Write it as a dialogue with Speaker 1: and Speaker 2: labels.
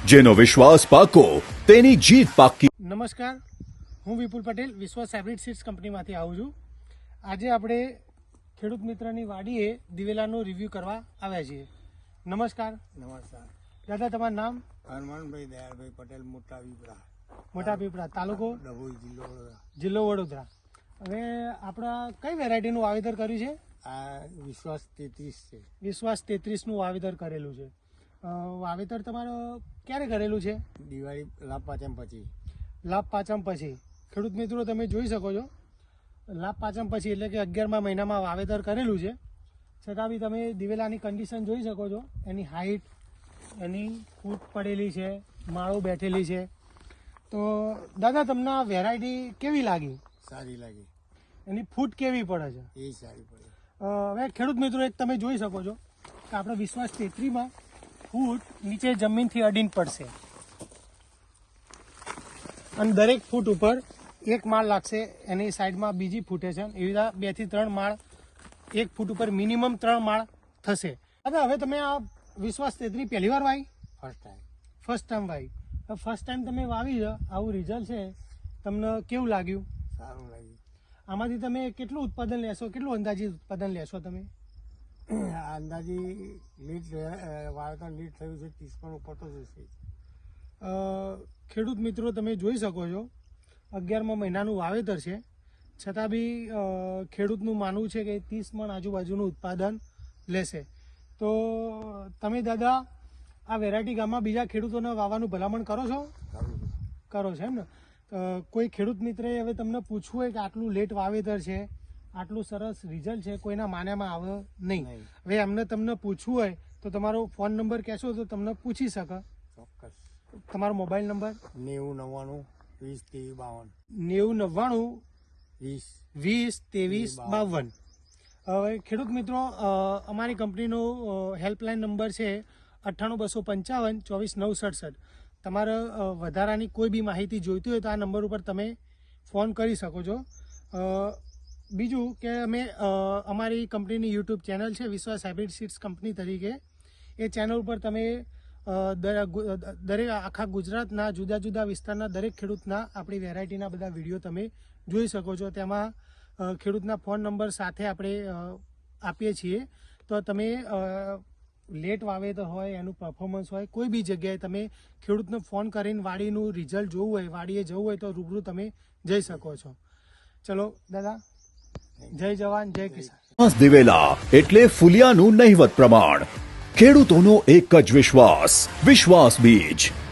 Speaker 1: જેનો વિશ્વાસ પાકો તેની જીત પાકી।
Speaker 2: નમસ્કાર, હું વિપુલ પટેલ વિશ્વાસ હાઇબ્રિડ સીડ્સ કંપનીમાંથી આવું છું। આજે આપણે ખેડૂત મિત્રની વાડીએ દિવેલાનો રિવ્યૂ કરવા આવ્યા છીએ। નમસ્કાર
Speaker 3: નમસ્કાર।
Speaker 2: દાદા, તમારું નામ?
Speaker 3: હનુમાનભાઈ દયાળભાઈ પટેલ,
Speaker 2: મોટા પીપળા, તાલુકો
Speaker 3: ડભોઈ, જિલ્લો વડોદરા।
Speaker 2: જિલ્લો વડોદરા। હવે આપણા કઈ વેરાયટીનું વાવેતર કર્યું છે?
Speaker 3: આ વિશ્વાસ 33 છે।
Speaker 2: વિશ્વાસ 33નું વાવેતર કરેલું છે। વાવેતર તમારો ક્યારે કરેલું છે?
Speaker 3: દિવાળી લાભ પાચમ પછી।
Speaker 2: લાભ પાચમ પછી। ખેડૂત મિત્રો, તમે જોઈ શકો છો લાભ પાચમ પછી એટલે કે 11મા મહિનામાં વાવેતર કરેલું છે, છતાં બી તમે દિવેલાની કન્ડિશન જોઈ શકો છો। એની હાઈટ, એની ફૂટ પડેલી છે, માળો બેઠેલી છે। તો દાદા, તમને આ વેરાયટી કેવી લાગી?
Speaker 3: સારી લાગી।
Speaker 2: એની ફૂટ કેવી પડે છે?
Speaker 3: એ સારી પડે।
Speaker 2: હવે ખેડૂત મિત્રો, એક તમે જોઈ શકો છો કે આપણે વિશ્વાસ 33માં ફૂટ નીચે જમીનથી અડીને પડશે અને દરેક ફૂટ ઉપર એક માળ લાગશે, એની સાઈડમાં બીજી ફૂટે છે, એવી રીતે 2 થી 3 માળ, એક ફૂટ ઉપર મિનિમમ 3 માળ થશે। હવે તમે આ વિશ્વાસ 33 પહેલી વાર વાવી? ફર્સ્ટ ટાઈમ વાવી। ફર્સ્ટ ટાઈમ તમે વાવી છે, આવું રિઝલ્ટ છે, તમને કેવું લાગ્યું?
Speaker 3: સારું લાગ્યું।
Speaker 2: આમાંથી તમે કેટલું ઉત્પાદન લેશો? કેટલું અંદાજિત ઉત્પાદન લેશો તમે?
Speaker 3: અંદાજી વાવેતર લીટ થયું છે 30 પણ ઉપર તો જશે।
Speaker 2: ખેડૂત મિત્રો, તમે જોઈ શકો છો 11મા મહિનાનું વાવેતર છે, છતાં બી ખેડૂતનું માનવું છે કે 30 મણ આજુબાજુનું ઉત્પાદન લેશે। તો તમે દાદા આ વેરાયટી ગામમાં બીજા ખેડૂતોને વાવવાનું ભલામણ કરો છો? કરો છો એમ ને? કોઈ ખેડૂત મિત્રએ હવે તમને પૂછવું હોય કે આટલું લેટ વાવેતર છે, આટલું સરસ રિઝલ્ટ છે, કોઈના માન્યામાં આવે નહીં, હવે એમને તમને પૂછવું હોય તો તમારો ફોન નંબર કહેશો તો તમને પૂછી શકે?
Speaker 3: ચોક્કસ।
Speaker 2: તમારો મોબાઈલ નંબર?
Speaker 3: 9099 20
Speaker 2: 23 52। હવે ખેડૂત મિત્રો, અમારી કંપનીનો હેલ્પલાઇન નંબર છે 98 255 24 967। તમારે વધારાની કોઈ બી માહિતી જોઈતી હોય તો આ નંબર ઉપર તમે ફોન કરી શકો છો। બીજું કે અમે અમારી કંપનીની યુટ્યુબ ચેનલ છે વિશ્વાસ હાઇબ્રિડ સીડ્સ કંપની તરીકે, એ ચેનલ ઉપર તમે દરેક આખા ગુજરાતના જુદા જુદા વિસ્તારના દરેક ખેડૂતના આપણી વેરાયટીના બધા વિડીયો તમે જોઈ શકો છો। તેમાં ખેડૂતના ફોન નંબર સાથે આપણે આપીએ છીએ, તો તમે લેટ વાવેતર હોય, એનું પરફોર્મન્સ હોય, કોઈ બી જગ્યાએ તમે ખેડૂતને ફોન કરીને વાડીનું રિઝલ્ટ જોવું હોય, વાડીએ જવું હોય તો રૂબરૂ તમે જઈ શકો છો। ચલો દાદા, જય જવાન જય કિસાન।
Speaker 1: દિવેલા એટલે ફુલિયાનું નહિવત પ્રમાણ। ખેડૂતોનો એક જ વિશ્વાસ, વિશ્વાસ બીજ।